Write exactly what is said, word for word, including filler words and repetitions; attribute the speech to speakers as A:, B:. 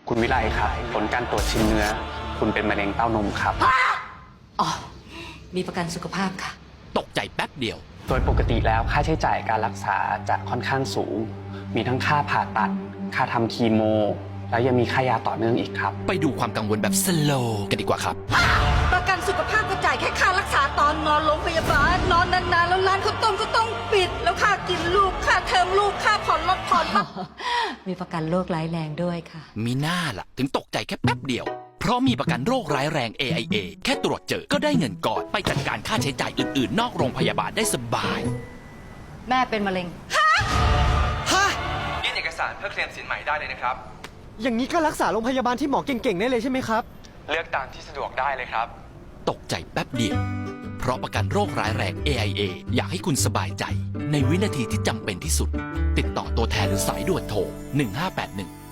A: คุณวิไลครับผลการตรวจชิ้นเนื้อ คุณเป็นมะเร็งเต้านมครับ
B: อ๋อ มีประกันสุขภาพค่ะ
C: ตกใจแป๊บเดียว
A: โดยปกติแล้วค่าใช้จ่ายการรักษาจะค่อนข้างสูง มีทั้งค่าผ่าตัด ค่าทำคีโม แล้วยังมีค่ายาต่อเนื่องอีกครับ
C: ไปดูความกังวลแบบสโลว์กันดีกว่าครับ
B: ประกันสุขภาพก็จ่ายแค่ค่ารักษาตอนนอนโรงพยาบาล นอนนานๆแล้วร้านข้าวต้มก็ต้องปิด แล้วค่ากินลูก ค่าเทอมลูก ค่าผ่อนรถผ่อนบ้าน
D: มีประกันโรคร้ายแรงด้วยค่ะ
C: มีหน้าล่ะ ถึงตกใจแค่แป๊บเดียว เพราะมีประกันโรคร้ายแรง เอ ไอ เอ แค่ตรวจเจอก็ได้เงินก่อนไปจัดการค่าใช้จ่ายอื่นๆ นอกโรงพยาบาลได้สบาย
D: แม่เป็นมะเร็ง
E: ยื่นเอกสารเพื่อเคลมสินใหม่ได้เลยนะครับ
F: อย่างนี้ก็รักษาโรงพยาบาลที่หมอเก่งๆได้เลยใช่ไหมครับ
E: เลือกตามที่สะดวกได้เลยครับ
C: ตกใจแป๊บเดียว เพราะประกันโรคร้ายแรง เอ ไอ เอ อยากให้คุณสบายใจ ในวินาทีที่จำเป็นที่สุด ติดต่อตัวแทนหรือสายด่วนโทรหนึ่งห้าแปดหนึ่ง